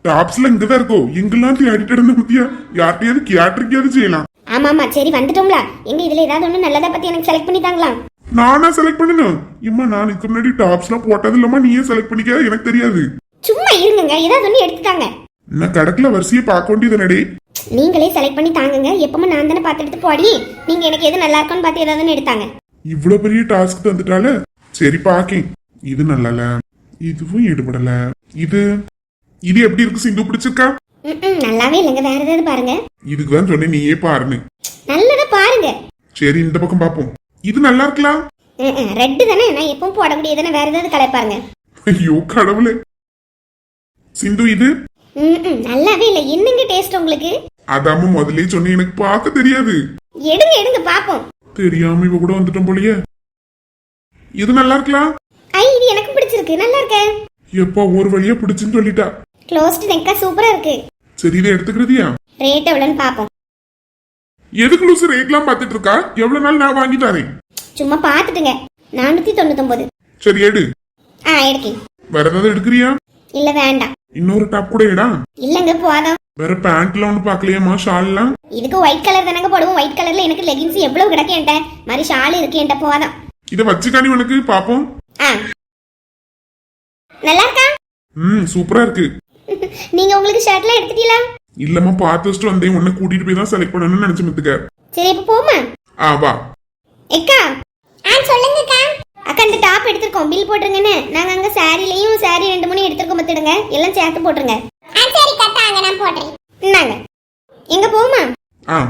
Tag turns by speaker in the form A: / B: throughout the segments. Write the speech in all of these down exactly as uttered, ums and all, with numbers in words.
A: டாப்ஸ்ல இங்கதான் இருக்கோ எங்கெல்லாம் தேடிட்டு இருந்த பத்தியா யார்கிட்டயாவது கேட்டிருக்கியாவது செய்யலாம்.
B: ஆமா ஆமா சரி வந்துட்டோம்ல. எங்க இதுல ஏதாவது ஒண்ணு நல்லதா பத்தி எனக்கு செலக்ட் பண்ணி தாங்களா?
A: நானா செலக்ட் பண்ணணும்? இம்மா நான் இதுக்கு முன்னாடி டாப்ஸ் எல்லாம் போட்டது இல்லம்மா, நீயே செலக்ட் பண்ணிக்க, எனக்கு தெரியாது.
B: சும்மா இருங்க, ஏதாவது ஒண்ணு எடுத்துட்டாங்க.
A: என்ன கடக்குல வரிசையை பார்க்க வேண்டியது நடி.
B: நீங்களே செலக்ட் பண்ணி தாங்குங்க. எப்பவுமே நான் தானே பார்த்து எடுத்து போடி. நீங்க எனக்கு எது நல்லா இருக்கும்னு பார்த்து ஏதாவது எடுத்தாங்க.
A: இவ்வளவு பெரிய டாஸ்க் தந்துட்டால சரி பாக்கேன். இது நல்லால, இதுவும் ஈடுபடல. இது இது எப்படி இருக்கு சிந்து, பிடிச்சிருக்கா?
B: நல்லாவே இல்லைங்க, வேற ஏதாவது பாருங்க.
A: இதுக்கு தான் சொன்னேன் நீயே பாருன்னு.
B: நல்லதா பாருங்க.
A: சரி இந்த பக்கம் பாப்போம். இது நல்லா இருக்கலாம்.
B: ரெட் தானே, நான் எப்பவும் போடக்கூடியதானே, வேற ஏதாவது கலர் பாருங்க.
A: ஐயோ கடவுளே சிந்து இது
B: நல்லாவே இல்ல. என்னங்க டேஸ்ட் உங்களுக்கு?
A: அதாம முதல்ல சொன்னேன், எனக்கு பார்க்க தெரியாது.
B: எடுங்க எடுங்க பாப்போம்.
A: தெரியாம இவ கூட வந்துட்டோம் போலயே. இது நல்லா இருக்கலாம்.
B: ஐ இது எனக்கு பிடிச்சிருக்கு, நல்லா இருக்கு.
A: எப்பா ஒரு வழியா பிடிச்சுன்னு சொல்லிட்டா.
B: க்ளோஸ்ட் நெக்கா சூப்பரா இருக்கு.
A: சரி இதை எடுத்துக்கிறதியா?
B: ரேட் எவ்வளவுன்னு பாப்போம்.
A: எதுக்கு லூசு ரேட்லாம் பார்த்துட்டு இருக்கா? எவ்வளவு நாள் நான் வாங்கி தரேன்.
B: சும்மா பாத்துட்டுங்க. நானூத்தி தொண்ணூத்தி ஒன்பது.
A: சரி எடு.
B: ஆ எடுக்கேன்.
A: வேற ஏதாவது எடுக்கிறியா?
B: இல்ல வேண்டாம்.
A: இன்னொரு டாப் கூட எடா.
B: இல்லங்க போதும்.
A: வேற பேண்ட்ல ஒண்ணு பாக்கலையாமா? ஷால்லாம்
B: இதுக்கு ஒயிட் கலர் தானங்க போடுவோம். ஒயிட் கலர்ல எனக்கு லெகின்ஸ் எவ்வளவு கிடக்கு என்கிட்ட. மாதிரி ஷால் இருக்கு என்கிட்ட, போதும்.
A: இத வச்சுக்கானி உனக்கு பாப்போம்.
B: ஆ நல்லா இருக்கா?
A: ம் சூப்பரா இருக்கு.
B: நீங்க உங்களுக்கு ஷர்ட்லாம் எடுத்துட்டீங்களா?
A: இல்லம்மா பார்த்து வச்சுட்டு வந்தேன். உன்னை கூட்டிட்டு போய் தான் செலக்ட் பண்ணணும்னு நினைச்சு மித்துக்க.
B: சரி இப்ப போமா.
A: ஆ வா.
B: எக்கா ஆ சொல்லுங்கக்கா. அக்கா இந்த டாப் எடுத்துறோம், பில் போட்டுருங்கன்னு. நாங்க அங்க சாரிலையும் சாரி ரெண்டு மூணு எடுத்துறோம் பத்துடுங்க. எல்லாம் சேர்த்து போட்டுருங்க. ஆ சரி கட்டாங்க, நான் போடுறேன். இந்தாங்க. எங்க போமா?
A: ஆ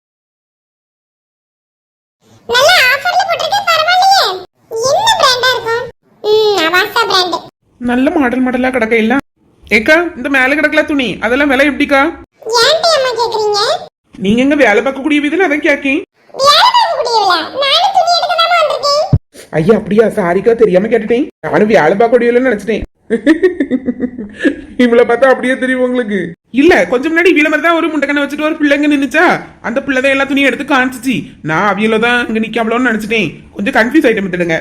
B: நல்ல ஆஃபர்ல போட்டுருக்கே, பரவாயில்லையே. என்ன பிராண்டா இருக்கும்? ம் அவாசா பிராண்ட்.
C: நல்ல மாடல் மாடலா கிடக்க இல்ல. ஏக்கா இந்த மேல கிடக்கல துணி, அதெல்லாம் விலை எப்படிக்கா?
B: ஏன்டி அம்மா கேக்குறீங்க?
C: நீங்க எங்க வேலை பார்க்க கூடிய வீதுல அதான் கேக்கேன்.
B: வேலை பார்க்க கூடியவளா? நானே துணி எடுக்க தான் வந்திருக்கேன்.
C: ஐயா அப்படியா, சாரிக்கா தெரியாம கேட்டுட்டேன். நானும் வேலை பார்க்க கூடியவளன்னு நினைச்சிட்டேன். இவளை பார்த்தா அப்படியே தெரியும் உங்களுக்கு? இல்ல கொஞ்சம் முன்னாடி வீல மாதிரி தான் ஒரு முண்டக்கண்ணை வச்சுட்டு ஒரு பிள்ளைங்க நின்னுச்சா, அந்த பிள்ளைதான் எல்லா துணியும் எடுத்து காமிச்சிச்சு. நான் அவியல தான் இங்க நிக்காமலோன்னு நினைச்சிட்டேன். கொஞ்சம் கன்ஃபியூஸ் ஆயிட்டு விட்டுடுங்க.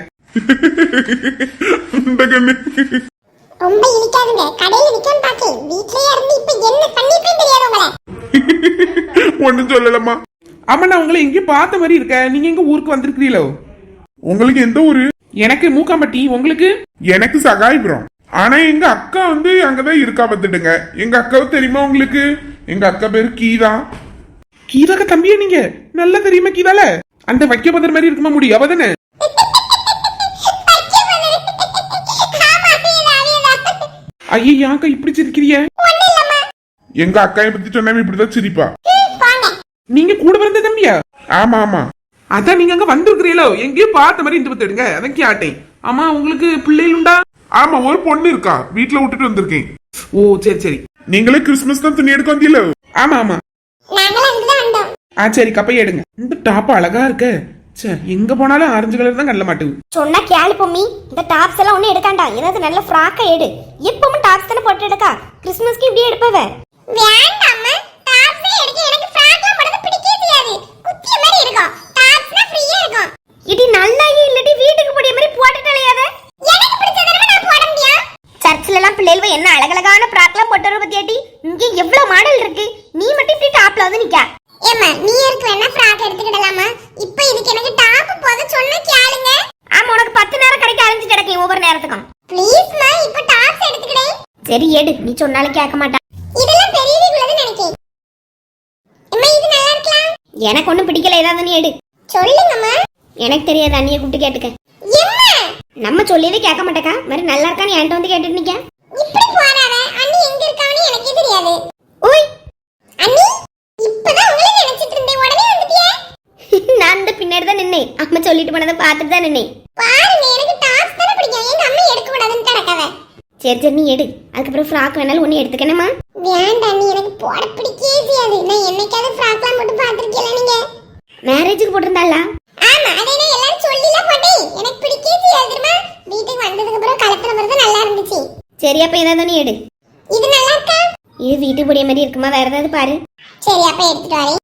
B: ரொம்ப இனிக்காதுங்க. கடையில நிக்கன்னு பாக்கேன். வீட்லயே இருந்து இப்ப என்ன பண்ணிட்டேன்னு தெரியாது உங்கள.
A: ஒண்ணும் சொல்லலம்மா.
C: ஆமா நான் உங்களை எங்கேயும் பார்த்த மாதிரி இருக்க. நீங்க எங்க ஊருக்கு வந்திருக்கிறீங்களோ?
A: உங்களுக்கு எந்த ஊரு?
C: எனக்கு மூக்காம்பட்டி. உங்களுக்கு?
A: எனக்கு சகாயபுரம். ஆனா எங்க அக்கா வந்து அங்கதான் இருக்கா பத்துட்டுங்க. எங்க அக்காவை தெரியுமா உங்களுக்கு? எங்க அக்கா பேரு கீதா.
C: கீதாக்க தம்பியா நீங்க? நல்லா தெரியுமா கீதால? அந்த வைக்க பதர் மாதிரி இருக்குமா முடி, அவதானே? ஐயாக்கா இப்படி சிரிக்கிறிய?
A: எங்க அக்காயை பத்தி சொன்னாம இப்படிதான் சிரிப்பா.
C: நீங்க கூட பிறந்த தம்பியா?
A: ஆமா ஆமா.
C: அதான் நீங்க அங்க வந்திருக்கிறீங்களோ, எங்கேயும் பார்த்த மாதிரி இந்த பத்துடுங்க. அதான் கேட்டேன். ஆமா உங்களுக்கு பிள்ளைகள் உண்டா?
A: ஆமா ஒரு பொண்ணு இருக்கா, வீட்டுல விட்டுட்டு வந்திருக்கேன்.
C: ஓ சரி சரி.
A: நீங்களே கிறிஸ்துமஸ் தான் துணி எடுக்க வந்தீங்களோ?
C: ஆமா ஆமா. ஆ சரி கப்பைய எடுங்க. இந்த டாப் அழகா இருக்க. சே எங்க போனாலும் ஆரஞ்சு கலர் தான் கல்ல மாட்டுது.
B: சொன்னா கேளு பொம்மி. இந்த டாப்ஸ் எல்லாம் ஒண்ணு எடுக்காண்டா. ஏதாவது நல்ல ஃப்ராக்கா எடு. எப்பவும் டாப்ஸ் தானே போட்டு எடுக்கா. கிறிஸ்மஸ்க்கு இப்படி எடுப்பவ. வேண்டாம்மா, டாப்ஸ் எடுக்க எனக்கு ஃப்ராக்லாம் போடுறது பிடிக்கவே செய்யாது. குத்திய மாதிரி இருக்கும். டாப்ஸ்னா ஃப்ரீயா இருக்கும். இடி நல்லாயே இல்லடி வீட்டுக்கு போடிய மாதிரி போட்டுட்டலையாத. எனக்கு பிடிச்சதெல்லாம் நான் போட முடியும். சர்ச்சில எல்லாம் பிள்ளைகள் என்ன அழகழகான ஃப்ராக்லாம் போட்டு வர பத்தியாட்டி. இங்க எவ்வளவு மாடல் இருக்கு. நீ மட்டும் இப்படி டாப்ல வந்து நிக்க. ஏம்மா நீ இருக்கு வேணா ஃப்ராக் எடுத்துக்கிடலாமா? இப்போ இதுக்கு எனக்கு டாப் போத சொன்னா கேளுங்க. ஆமா உனக்கு பத்து நேரம் கடைக்கு அலைஞ்சு கிடக்கேன் ஒவ்வொரு நேரத்துக்கும். ப்ளீஸ் மா இப்போ டாப்ஸ் எடுத்துக்கிடே. சரி எடு, நீ சொன்னாலும் கேட்க மாட்டா. இதெல்லாம் பெரியதுக்குள்ளது நினைக்கேன். அம்மா இது நல்லா இருக்கலாம். எனக்கு ஒண்ணும் பிடிக்கல, ஏதாவது நீ எடு. சொல்லுங்கம்மா. எனக்கு தெரியாது, அண்ணியை கூப்பிட்டு கேட்டுக்க. எம்மா நம்ம சொல்லியதே கேட்க மாட்டேக்கா. மாதிரி நல்லா இருக்கா நீ என்கிட்ட வந்து கேட்டுட்டு நிக்க. இப்படி போறாத. அண்ணி எங்க இருக்கான்னு எனக்கே தெரியாது. ஓய் அண்ணி இப்பதான் உங்களை நினைச்சிட்டு இருந்தேன். உடனே வந்துட்டியே. நான் இந்த பின்னாடி தான் நின்னேன். அம்மா சொல்லிட்டு போனதை பார்த்துட்டு தான் நின்னேன். பாருங்க எனக்கு டாப்ஸ் தான பிடிக்கும். எங்க அம்மா எடுக்க கூடாதுன்னு கிடக்கவ. சரி சரி நீ எடு. அதுக்கப்புறம் ஃப்ராக் வேணாலும் ஒண்ணு எடுத்துக்கணுமா? வேண்டாம், நீ எனக்கு போட பிடிக்கவே செய்யாது. நான் என்னைக்காவது ஃப்ராக்லாம் போட்டு பார்த்திருக்கீங்களா நீங்க? மேரேஜுக்கு போட்டிருந்தாளா? ஆமா அதே நான் எல்லாரும் சொல்லில போட்டேன். எனக்கு பிடிக்கவே செய்யாது தெரியுமா? வீட்டுக்கு வந்ததுக்கு அப்புறம் கலத்துல வரது நல்லா இருந்துச்சு. சரி அப்ப ஏதாவது நீ எடு. இது நல்லா இருக்கா? இது வீட்டுக்கு போடிய மாதிரி இருக்குமா? வேற ஏதாவது பாரு. சரி அப்ப எடுத்துட்டு வரேன்.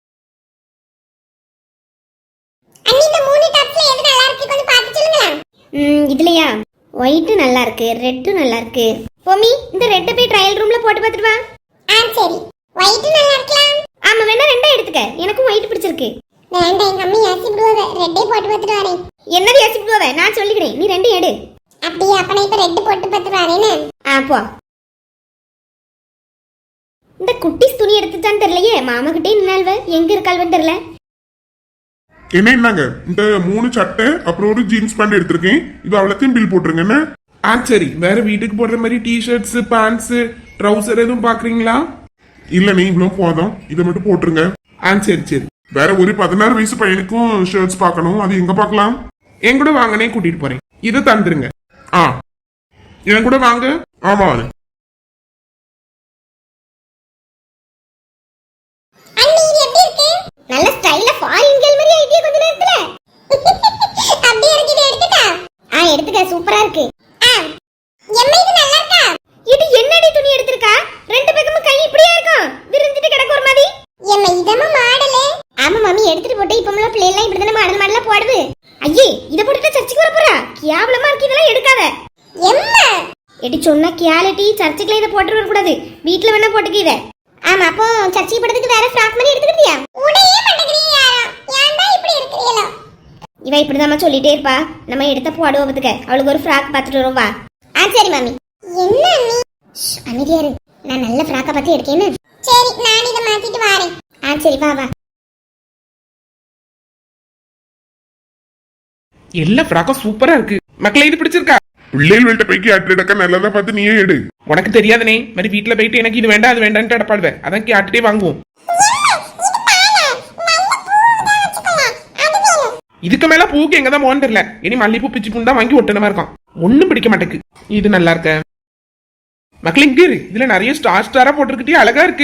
B: அண்ணி இந்த மூணு டாப்ஸ்ல எது நல்லா இருக்கு கொஞ்சம் பார்த்து சொல்லுங்க. ம் இதுலயா ஒயிட் நல்லா இருக்கு, ரெட் நல்லா இருக்கு, பொம்மி இந்த ரெட்டை போய் ட்ரையல் ரூம்ல போட்டு பார்த்துட்டு வா. ஆ சரி. ஒயிட் நல்லா இருக்கலாம். ஆமா வேணா ரெண்டா எடுத்துக்க. எனக்கும் ஒயிட் பிடிச்சிருக்கு. வேண்டாம் எங்க அம்மா ஏசி விடுவாங்க. ரெட்டே போட்டு பார்த்துட்டு வரேன். என்னது ஏசி விடுவாங்க? நான் சொல்லிக்கிறேன். நீ ரெண்டு எடு. அப்படியே அப்ப நான் இப்ப ரெட் போட்டு பார்த்துட்டு வரேனே. ஆ போ. இந்த குட்டிஸ் துணி எடுத்துட்டான்னு தெரியலையே. மாமா கிட்டே நின்னால்வ எங்க இருக்காள்வன்னு தெரியல.
A: என்ன என்னங்க இந்த மூணு சட்டை அப்புறம் ஒரு ஜீன்ஸ் பேண்ட் எடுத்திருக்கேன். இது அவ்வளோத்தையும் பில் போட்டுருங்க என்ன?
C: ஆ சரி. வேற வீட்டுக்கு போடுற மாதிரி டிஷர்ட்ஸ் பேண்ட்ஸ் ட்ரௌசர் எதுவும் பாக்குறீங்களா?
A: இல்ல நீ இவ்வளவு போதும், இதை மட்டும் போட்டுருங்க.
C: ஆ சரி சரி.
A: வேற ஒரு பதினாறு வயசு பையனுக்கும் ஷர்ட்ஸ் பார்க்கணும். அது எங்க பார்க்கலாம்?
C: என் கூட வாங்கனே கூட்டிட்டு போறேன். இதை தந்துருங்க.
A: ஆ என் கூட வாங்க. ஆமா
B: நல்ல ஸ்டைலா ஃபாரின் கேர்ள் மாதிரி ஐடியா கொஞ்ச நேரத்துல. அப்படியே இருக்கு. இத எடுத்துடா. ஆ எடுத்துக்க. சூப்பரா இருக்கு. ஆ எம்மா இது நல்லா இருக்கா? இது என்னடி துணி எடுத்துருக்கா? ரெண்டு பக்கமும் கை இப்படியே இருக்கும். விரிஞ்சிட்டு கிடக்கு ஒரு மாதிரி. எம்மா இதமா மாடல். ஆமா மம்மி எடுத்துட்டு போட்டு இப்போம்ல பிள்ளை எல்லாம் இப்படி தான மாடல் மாடலா போடுது. ஐயே இத போட்டுட்டு சர்ச்சுக்கு வர போறா? கேவலமா இருக்கு. இதெல்லாம் எடுக்காத. எம்மா எடி சொன்னா கியாலிட்டி சர்ச்சுக்குல இத போட்டு வர கூடாது. வீட்ல வேணா போட்டுக்க இத. ஆமா அப்போ சர்ச்சுக்கு போறதுக்கு வேற ஃப்ராக் மாதிரி எடுத்துக்கிட்டியா? உடையே மாட்டேங்கறீங்க யாரா? ஏன்டா இப்படி இருக்கீங்களா? இவ இப்படிதான் சொல்லிட்டே இருப்பா. நம்ம எடுத்த போடுவதுக்கு அவளுக்கு ஒரு ஃப்ராக் பார்த்துட்டு வரோம் வா. ஆ சரி மாமி. என்ன நீ அமைதியா இரு. நான் நல்ல ஃப்ராக்க பார்த்து எடுக்கேன்னு. சரி நான் இத மாத்திட்டு வரேன். ஆ சரி வா வா.
C: எல்லா ஃப்ராக்கும் சூப்பரா இருக்கு. மக்களே இது பிடிச்சிருக்கா?
A: பிள்ளைகள்கிட்ட போய்க்கு அட்டடக்கா நல்லதா பார்த்து நீயே எடு.
C: உனக்கு தெரியாதனே மாதிரி வீட்டுல போயிட்டு எனக்கு இது வேண்டாம் அது வேண்டாம்னு அடப்பாடுவேன். அதான் கேட்டுட்டே வாங்குவோம். இதுக்கு மேல பூக்கு எங்கதான் போன்னு தெரியல. இனி மல்லிப்பூ பிச்சு பூ தான் வாங்கி ஒட்டனமா இருக்கான். ஒண்ணும் பிடிக்க மாட்டேக்கு. இது நல்லா இருக்க மக்கள் இங்க இரு. இதுல நிறைய ஸ்டார் ஸ்டாரா போட்டிருக்கிட்டே அழகா இருக்கு.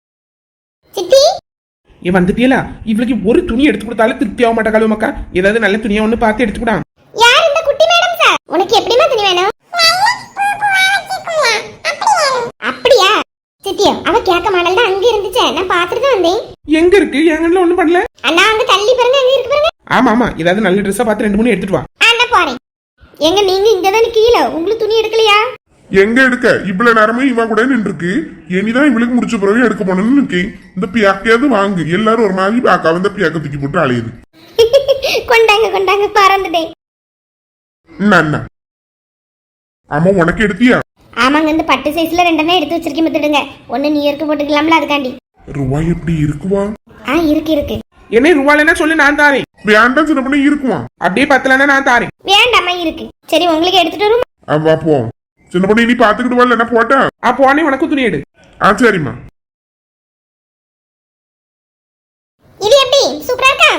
C: ஏன் வந்துட்டியலா? இவளுக்கு ஒரு துணி எடுத்து கொடுத்தாலும் திருப்தி ஆக மாட்டா மக்கா. ஏதாவது நல்ல துணியா ஒண்ணு பார்த்து எடுத்துக்கூடா.
B: யார் இந்த குட்டி மேடம் சார்? உனக்கு எப்படிமா துணி வேணும்? அப்படியா சித்தியா? அவ கேட்க மாடல் தான் அங்க இருந்துச்சே. நான் பாத்துட்டு தான் வந்தேன்.
C: எங்க இருக்கு? எங்கன்னு ஒண்ணும் பண்ணல.
B: அண்ணா அங்க தள்ளி பாருங்க. அங்க இருக்கு பாருங்க.
C: ஆமா ஆமா. ஏதாவது நல்ல ட்ரெஸ்ஸா பார்த்து ரெண்டு மூணு எடுத்துட்டு வா.
B: அண்ணா போறேன். எங்க நீங்க இங்க தான் நிக்கீல? உங்களுக்கு துணி எடுக்கலையா?
A: எங்க எடுக்க? இவ்வளவு நேரமே இவ கூட நின்றுருக்கு. இனிதான் இவளுக்கு முடிச்ச பிறகு எடுக்க போனோம்னு இருக்கேன். இந்த பியாக்கையாவது வாங்கு. எல்லாரும் ஒரு மாதிரி பாக்கா வந்து பியாக்க தூக்கி போட்டு அலையுது.
B: கொண்டாங்க கொண்டாங்க பறந்துட்டேன்.
A: அண்ணா ஆமா உனக்கு எடுத்தியா?
B: ஆமாங்க இந்த பட்டு சைஸ்ல ரெண்டனே எடுத்து வச்சிருக்கேன். மத்துடுங்க. ஒன்னு நியூ இயர்க்கு போட்டுக்கலாம்ல அதுக்காண்டி.
A: ரூபாய் எப்படி இருக்குவா?
B: ஆ இருக்கு இருக்கு.
C: என்ன ரூபாய்னா சொல்லி நான் தாரேன்.
A: வேண்டாம் சின்ன பண்ணி இருக்குமா?
C: அப்படியே பத்தலன்னா நான் தாரேன்.
B: வேண்டாமா இருக்கு. சரி உங்களுக்கு எடுத்துட்டு வரும்.
A: வா போ. சின்ன பண்ணி நீ பாத்துக்கிட்டு வரல என்ன போட்டா?
C: ஆ போனே உனக்கு துணி எடு.
A: ஆ சரிம்மா.
B: இது எப்படி? சூப்பரா இருக்கா?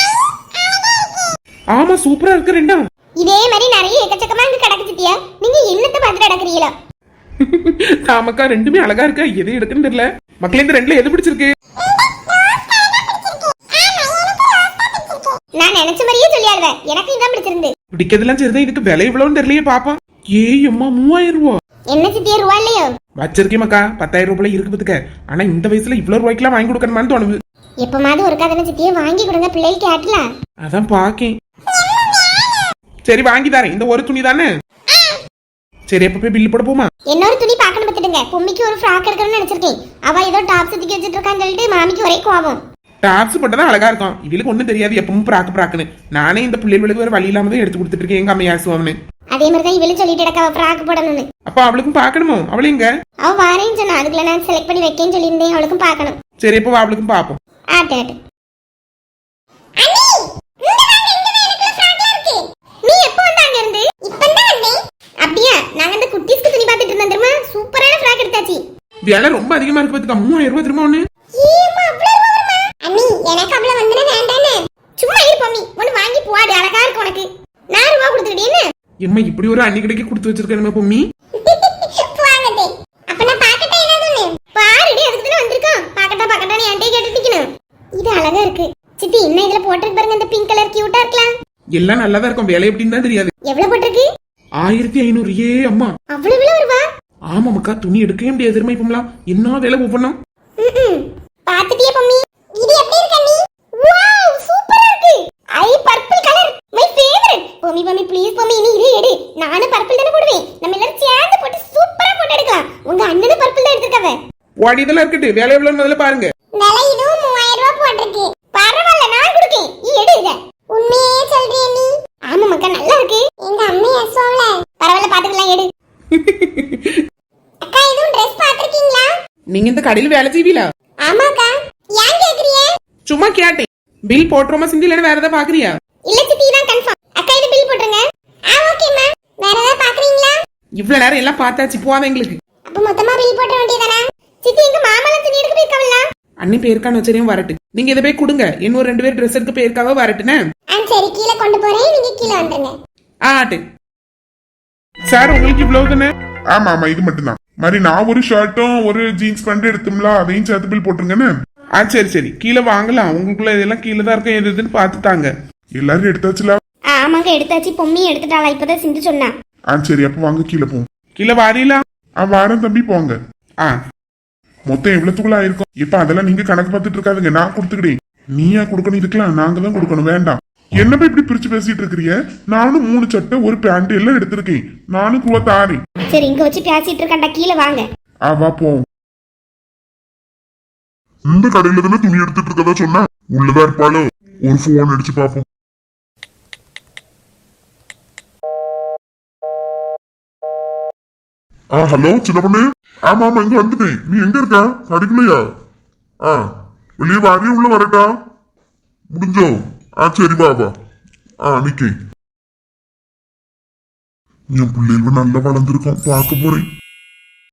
C: ஆமா சூப்பரா இருக்கு ரெண்டா.
B: இதே மாதிரி நிறைய எக்கச்சக்கமா இங்க கிடக்கு சித்தியா. நீங்க என்னத்தை பார்த்துட்டு நடக்கிறீங்களா?
C: தாமக்கா ரெண்டுமே அழகா இருக்கா. எது எடுக்குன்னு தெரியல. மக்களே இந்த ரெண்டுல எது பிடிச்சிருக்கு?
B: நான் நினைச்ச மாதிரியே சொல்லியாடுவ. எனக்கு இதான் பிடிச்சிருந்து.
C: பிடிக்கிறதுலாம் சரிதான். இதுக்கு விலை இவ்வளவுன்னு தெரியலையே பாப்போம். ஏய் அம்மா மூவாயிரம் ரூபா.
B: என்ன சித்தியா ரூபா இல்லையோ?
C: வச்சிருக்கேன் மக்கா. பத்தாயிரம் ரூபாய் இருக்கு பத்துக்க. ஆனா இந்த வயசுல இவ்வளவு ரூபாய்க்குலாம் வாங்கி கொடுக்கணுமான்னு தோணுது.
B: எப்பமாவது ஒரு கதனை சித்தியா வாங்கி கொடுங்க பிள்ளைக்கு கேட்டலாம்.
C: அதான் பாக்கேன். சரி வாங்கி தரேன். இந்த ஒரு துணி தானே. சரி எப்ப போய் பில்லு போட போமா?
B: இன்னொரு துணி பாக்கணும் பத்துடுங்க. பொம்மிக்கு ஒரு ஃப்ராக் எடுக்கணும்னு நினைச்சிருக்கேன். அவ ஏதோ டாப் சுத்திக்கி வச்சிட்டு இருக்கான்னு சொல்லிட்டு மாமிக்கு ஒரே கோவம்.
C: டாப்ஸ் போட்டதான் அழகா இருக்கும். இவளுக்கு ஒண்ணும் தெரியாது. எப்பவும் பிராக்கு பிராக்குன்னு. நானே இந்த பிள்ளைகளுக்கு ஒரு வழி இல்லாம தான் எடுத்து கொடுத்துட்டு இருக்கேன். எங்க அம்மா யாசுவான்னு.
B: அதே மாதிரி தான் இவளும் சொல்லிட்டு இருக்கா ஃப்ராக் போடணும்னு.
C: அப்ப அவளுக்கும் பாக்கணுமோ? அவளு எங்க?
B: அவ வாரேன்னு சொன்னா. அதுக்குள்ள நான் செலக்ட் பண்ணி வைக்கேன்னு சொல்லியிருந்தேன். அவளுக்கும் பாக்கணும்.
C: சரி எப்போ அவளுக்கும் பாப்போம்.
B: ஆட்டு ஆட்டு. அப்படியா? நாங்க அந்த குட்டீஸ்க்கு துணி பார்த்துட்டு இருந்தோம் தெரியுமா? சூப்பரான ஃப்ராக் எடுத்தாச்சு.
C: விலை ரொம்ப அதிகமா இருக்கு பாத்துக்க. மூவாயிரம் ரூபாய் திரும்ப ஒண்ணு.
B: அண்ணி எனக்கு அவ்வளவு வந்தன வேண்டானே. சும்மா இரு பொம்மி. ஒன்னு வாங்கி போடு. அழகா இருக்கு உனக்கு. நான் ரூபா கொடுத்துட்டேன்னு.
C: எம்மா இப்படி ஒரு அன்னி கடைக்கு கொடுத்து வச்சிருக்கேன் பொம்மி.
B: போங்கடே. அப்ப நான் பாக்கட்டா ஏதாவது பாருடி. அதுக்கு தான வந்திருக்கோம். பாக்கட்டா பாக்கட்டா நீ ஆண்டே கேட்டு நிக்கணும். இது அழகா இருக்கு. சித்தி என்ன இதுல போட்டுருக்கு பாருங்க. இந்த பிங்க் கலர் கியூட்டா இருக்கலாம்.
C: எல்லாம் நல்லதா இருக்கும். விலை எப்படின்னு தான் தெரியாது.
B: எவ்வளவு போட்டிருக்கு?
C: ஆயிரத்தி ஐநூறு. ஏ அம்மா
B: அவ்வளவு விலை வருவா?
C: ஆமா மக்கா. துணி எடுக்கவே முடியாது தெரியுமா இப்பலாம். என்ன விலை ஒவ்வொன்னும்.
B: பாத்துட்டியே பொம்மி. இது எப்படி இருக்கு அண்ணி? வாவ் சூப்பரா இருக்கு. I purple colour my favourite. Bommi Bommi please Bommi நீ இதே எடு. நானும் பர்பிள் தான போடுவேன். நம்ம எல்லாரும் சேர்ந்து போட்டு சூப்பரா
C: ஓடி இதெல்லாம் இருக்கட்டு வேலை எவ்வளவு முதல்ல பாருங்க.
B: விலை இதுவும் மூவாயிரம் ரூபாய் போட்டிருக்கு. பரவாயில்ல, நான் கொடுக்கேன். நீ எடு இத. உண்மையே சொல்றியே நீ? ஆமா மக்கா, நல்லா இருக்கு. எங்க அம்மா ஏசுவாங்கள. பரவாயில்ல, பாத்துக்கலாம், எடு. அக்கா, இதுவும் ட்ரெஸ் பாத்திருக்கீங்களா?
C: நீங்க இந்த கடையில் வேலை செய்வீங்களா?
B: ஆமாக்கா. ஏன் கேக்குறீங்க?
C: சும்மா கேட்டேன். பில் போட்டுருமா சிந்தி இல்லைன்னு வேற ஏதாவது பாக்குறியா?
B: இல்ல சித்தி, தான் கன்ஃபார்ம். அக்கா, இது பில் போட்டுருங்க. ஆ, ஓகேம்மா. வேற ஏதாவது பாக்குறீங்களா?
C: இவ்வளவு நேரம் எல்லாம் பார்த்தாச்சு, போவாத எங்களுக்கு.
B: அப்ப மொத்தமா பில் போட்ட வேண்டியதானே? சித்தி, எங்க மாமாலாம் துணி எடுக்க போயிருக்காங்களா?
C: அண்ணி பேருக்கான வச்சரையும் வரட்டு. நீங்க இதை போய் கொடுங்க. இன்னும் ரெண்டு பேர் ட்ரெஸ் எடுக்க போயிருக்காவ வரட்டுனே.
B: ஆ, சரி, கீழே கொண்டு போறேன். நீங்க கீழே வந்துருங்க.
C: ஆட்டு சார், உங்களுக்கு இவ்வளவு தானே?
A: ஆமா ஆமா, இது மட்டும்தான். மாதிரி நான் ஒரு ஷர்ட்டும் ஒரு ஜீன்ஸ் பேண்ட் எடுத்தோம்ல, அதையும் சேர்த்து பில் போட்டுருங்கன்னு.
C: ஆ, சரி சரி, கீழே வாங்கலாம். உங்களுக்குள்ள இதெல்லாம் கீழே தான் இருக்கும், எது எதுன்னு பார்த்துட்டாங்க.
A: எல்லாரும் எடுத்தாச்சுல?
B: ஆ, ஆமாங்க, எடுத்தாச்சு. பொம்மியும் எடுத்துட்டாளா? இப்பதான் சிந்து சொன்னா.
A: ஆ சரி, அப்ப வாங்க கீழே போவோம்.
C: கீழே வாரீங்களா?
A: ஆ வாரம் தம்பி, போங்க.
C: ஆ,
A: மொத்தம் எவ்வளவுக்குள்ள ஆயிருக்கும்? இப்ப அதெல்லாம் நீங்க கணக்கு பார்த்துட்டு இருக்காதுங்க, நான் கொடுத்துக்கிட்டேன். நீயா கொடுக்கணும்? இதுக்கெல்லாம் நாங்க தான் கொடுக்கணும். வேண்டாம். என்னப்பா இப்படி பிரிச்சு பேசிட்டு இருக்கிறீங்க? நானும் மூணு சட்டை ஒரு பேண்ட் எல்லாம் எடுத்திருக்கேன். நானும் ரூபா தாரேன்.
B: சரி, இங்க வச்சு பேசிட்டு இருக்காண்டா, கீழே வாங்க.
A: ஆ வா போவோம். இந்த கடையில தானே துணி எடுத்துட்டு இருக்கதா சொன்ன? உள்ளதா இருப்பாளோ? ஒரு போன் அடிச்சு பாப்போம். ஆ ஹலோ சின்ன பொண்ணு. ஆமா ஆமா, இங்க வந்துட்டேன். நீ எங்க இருக்க? கடைக்குள்ளையா? ஆ, வெளியே வாரியே உள்ள வரட்டா? முடிஞ்சோ? ஆ சரி பாபா. ஆ நிக்கேன். என் பிள்ளைகள் நல்லா வளர்ந்துருக்கோம், பார்க்க போறேன்.